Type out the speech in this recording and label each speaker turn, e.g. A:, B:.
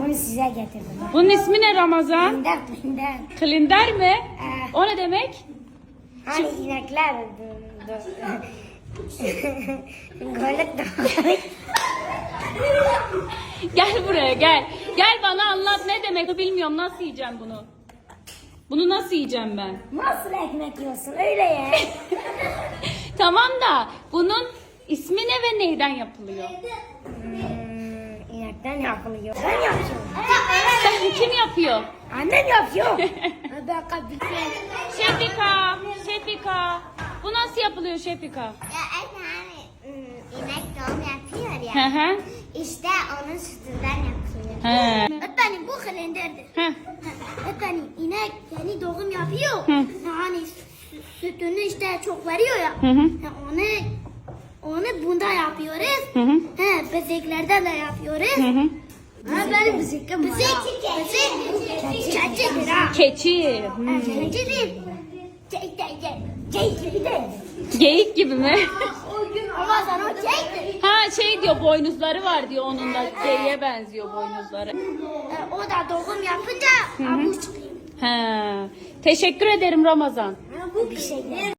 A: Bunu size getirdim.
B: Bunun ismi ne Ramazan?
A: Klinder.
B: Klinder mi? O ne demek?
A: Hani inekler. Golük de.
B: Gel buraya gel. Gel bana anlat ne demek bilmiyorum. Nasıl yiyeceğim bunu? Bunu nasıl yiyeceğim ben?
A: Nasıl ekmek yiyorsun öyle ya?
B: Tamam da bunun ismi ne ve neyden yapılıyor?
A: İnekten yapılıyor. Ben yapıyorum.
B: Kim yapıyor?
A: Annem yapıyor.
B: Şefika. Bu nasıl yapılıyor Şefika?
C: Ya hani inek doğum yapıyor
B: Hı
C: ya.
B: hı.
C: İşte onun sütünden yapılıyor.
B: He.
C: Öğretmenim bu kalenderdir.
B: Heh.
C: Öğretmenim inek yeni doğum yapıyor.
B: Hı.
C: Yani sütünü işte çok veriyor ya.
B: Hı hı.
C: Onu bunda yapıyoruz.
B: Hı hı.
C: Bezeklerden de yapıyoruz.
B: Hı hı.
C: Benim bezekim var. Keçidir ha.
B: Keçi.
C: Keçi değil.
A: Cey gibi de.
B: Geyik gibi mi?
C: Ama sen o çektir.
B: Ha şey diyor boynuzları var diyor onun da geyiğe benziyor boynuzları.
C: O da doğum yapınca avuç çıkıyor.
B: He. Teşekkür ederim Ramazan.
C: Bu bir şey.